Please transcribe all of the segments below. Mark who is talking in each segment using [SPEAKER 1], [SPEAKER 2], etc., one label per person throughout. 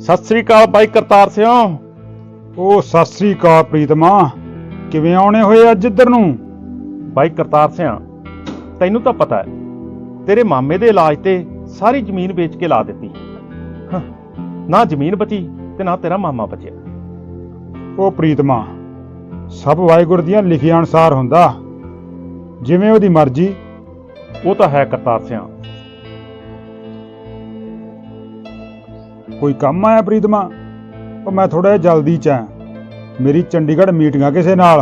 [SPEAKER 1] ਸਤਿ ਸ੍ਰੀ ਅਕਾਲ ਬਾਈ ਕਰਤਾਰ ਸਿੰਘ।
[SPEAKER 2] ਉਹ ਸਤਿ ਸ੍ਰੀ ਅਕਾਲ ਪ੍ਰੀਤਮਾ, ਕਿਵੇਂ ਆਉਣੇ ਹੋਏ ਅੱਜ ਇੱਧਰ ਨੂੰ?
[SPEAKER 1] ਬਾਈ ਕਰਤਾਰ ਸਿੰਘ, ਤੈਨੂੰ ਤਾਂ ਪਤਾ ਹੈ ਤੇਰੇ ਮਾਮੇ ਦੇ ਇਲਾਜ ਤੇ ਸਾਰੀ ਜ਼ਮੀਨ ਵੇਚ ਕੇ ਲਾ ਦਿੱਤੀ। ਨਾ ਜ਼ਮੀਨ ਬਚੀ ਤੇ ਨਾ ਤੇਰਾ ਮਾਮਾ ਬਚਿਆ।
[SPEAKER 2] ਉਹ ਪ੍ਰੀਤਮਾ, ਸਭ ਵਾਹਿਗੁਰੂ ਦੀਆਂ ਲਿਖੀਆਂ ਅਨੁਸਾਰ ਹੁੰਦਾ, ਜਿਵੇਂ ਉਹਦੀ ਮਰਜ਼ੀ।
[SPEAKER 1] ਉਹ ਤਾਂ ਹੈ ਕਰਤਾਰ ਸਿੰਘ।
[SPEAKER 2] ਕੋਈ ਕੰਮ ਆਇਆ ਪ੍ਰੀਤਮਾ? ਉਹ ਮੈਂ ਥੋੜਾ ਜਿਹਾ ਜਲਦੀ ਚ ਆ, ਮੇਰੀ ਚੰਡੀਗੜ੍ਹ ਮੀਟਿੰਗ ਆ ਕਿਸੇ ਨਾਲ।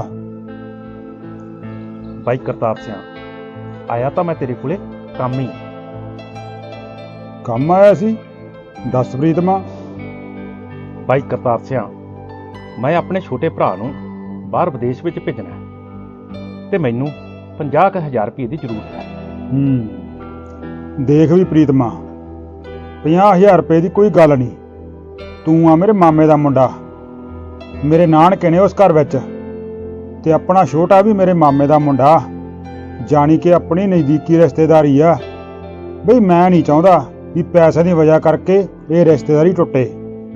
[SPEAKER 1] ਬਾਈ ਕਰਤਾਰ ਸਿੰਘ, ਆਇਆ ਤਾਂ ਮੈਂ ਤੇਰੇ ਕੋਲੇ ਕੰਮ ਹੀ।
[SPEAKER 2] ਕੰਮ ਆਇਆ ਸੀ? ਦੱਸ ਪ੍ਰੀਤਮਾ।
[SPEAKER 1] ਬਾਈ ਕਰਤਾਰ ਸਿੰਘ, ਮੈਂ ਆਪਣੇ ਛੋਟੇ ਭਰਾ ਨੂੰ ਬਾਹਰ ਵਿਦੇਸ਼ ਵਿੱਚ ਭੇਜਣਾ ਹੈ ਤੇ ਮੈਨੂੰ 50,000 ਰੁਪਏ ਦੀ ਜ਼ਰੂਰਤ ਹੈ।
[SPEAKER 2] ਦੇਖ ਵੀ ਪ੍ਰੀਤਮਾ, 50,000 ਰੁਪਏ ਦੀ ਕੋਈ ਗੱਲ ਨਹੀਂ। ਤੂੰ ਆ ਮੇਰੇ ਮਾਮੇ ਦਾ ਮੁੰਡਾ, ਮੇਰੇ ਨਾਨਕੇ ਨੇ ਉਸ ਘਰ ਵਿੱਚ, ਤੇ ਆਪਣਾ ਛੋਟਾ ਵੀ ਮੇਰੇ ਮਾਮੇ ਦਾ ਮੁੰਡਾ, ਜਾਣੀ ਕਿ ਆਪਣੀ ਨਜ਼ਦੀਕੀ ਰਿਸ਼ਤੇਦਾਰੀ ਆ। ਬਈ ਮੈਂ ਨਹੀਂ ਚਾਹੁੰਦਾ ਵੀ ਪੈਸੇ ਦੀ ਵਜ੍ਹਾ ਕਰਕੇ ਇਹ ਰਿਸ਼ਤੇਦਾਰੀ ਟੁੱਟੇ।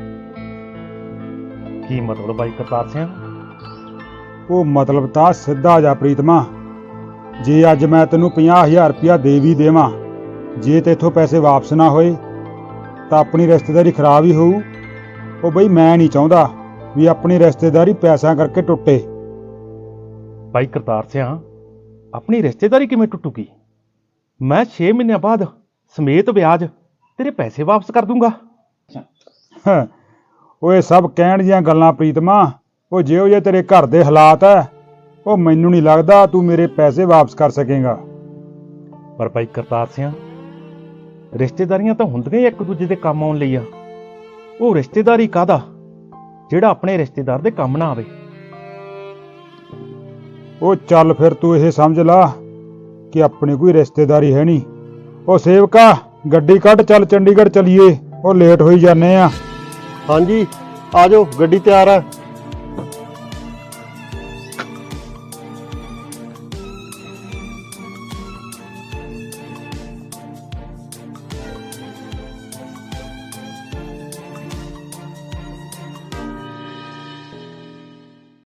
[SPEAKER 1] ਕੀ ਮਤਲਬ ਬਾਈ ਕਰਤਾਰ ਸਿੰਘ?
[SPEAKER 2] ਉਹ ਮਤਲਬ ਤਾਂ ਸਿੱਧਾ ਜਾ ਪ੍ਰੀਤਮਾ, ਜੇ ਅੱਜ ਮੈਂ ਤੈਨੂੰ 50,000 ਰੁਪਇਆ ਦੇ ਵੀ ਦੇਵਾਂ, ਜੇ ਤੇਥੋਂ ਪੈਸੇ ਵਾਪਸ ਨਾ ਹੋਏ ਤਾਂ ਆਪਣੀ ਰਿਸ਼ਤੇਦਾਰੀ ਖਰਾਬ ਹੀ ਹੋਊ। ਉਹ ਬਈ ਮੈਂ ਨਹੀਂ ਚਾਹੁੰਦਾ ਵੀ ਆਪਣੀ ਰਿਸ਼ਤੇਦਾਰੀ ਪੈਸਿਆਂ ਕਰਕੇ ਟੁੱਟੇ।
[SPEAKER 1] ਬਾਈ ਕਰਤਾਰ ਸਿੰਘ, ਆਪਣੀ ਰਿਸ਼ਤੇਦਾਰੀ ਕਿਵੇਂ ਟੁੱਟੂਗੀ? ਮੈਂ 6 ਮਹੀਨਿਆਂ ਬਾਅਦ ਸਮੇਤ ਵਿਆਜ ਤੇਰੇ ਪੈਸੇ ਵਾਪਸ ਕਰ ਦੂੰਗਾ।
[SPEAKER 2] ਉਹ ਇਹ ਸਭ ਕਹਿਣ ਦੀਆਂ ਗੱਲਾਂ ਪ੍ਰੀਤਮਾ। ਉਹ ਜਿਹੋ ਜਿਹੇ ਤੇਰੇ ਘਰ ਦੇ ਹਾਲਾਤ ਹੈ, ਉਹ ਮੈਨੂੰ ਨਹੀਂ ਲੱਗਦਾ ਤੂੰ ਮੇਰੇ ਪੈਸੇ ਵਾਪਸ ਕਰ ਸਕੇਗਾ।
[SPEAKER 1] ਪਰ ਬਾਈ ਕਰਤਾਰ ਸਿੰਘ, ਰਿਸ਼ਤੇਦਾਰੀਆਂ ਤਾਂ ਹੁੰਦੀਆਂ ਹੀ ਇੱਕ ਦੂਜੇ ਦੇ ਕੰਮ ਆਉਣ ਲਈ ਆ। ਉਹ ਰਿਸ਼ਤੇਦਾਰੀ ਕਾਹਦਾ ਜਿਹੜਾ ਆਪਣੇ ਰਿਸ਼ਤੇਦਾਰ ਦੇ ਕੰਮ ਨਾ ਆਵੇ।
[SPEAKER 2] ਉਹ ਚੱਲ ਫਿਰ ਤੂੰ ਇਹ ਸਮਝ ਲਾ ਕਿ ਆਪਣੀ ਕੋਈ ਰਿਸ਼ਤੇਦਾਰੀ ਹੈ ਨਹੀਂ। ਉਹ ਸੇਵਕਾ, ਗੱਡੀ ਕੱਢ, ਚੱਲ ਚੰਡੀਗੜ੍ਹ ਚਲੀਏ, ਉਹ ਲੇਟ ਹੋਈ ਜਾਂਦੇ ਆ।
[SPEAKER 3] ਹਾਂਜੀ ਆ ਜਾਓ, ਗੱਡੀ ਤਿਆਰ ਆ।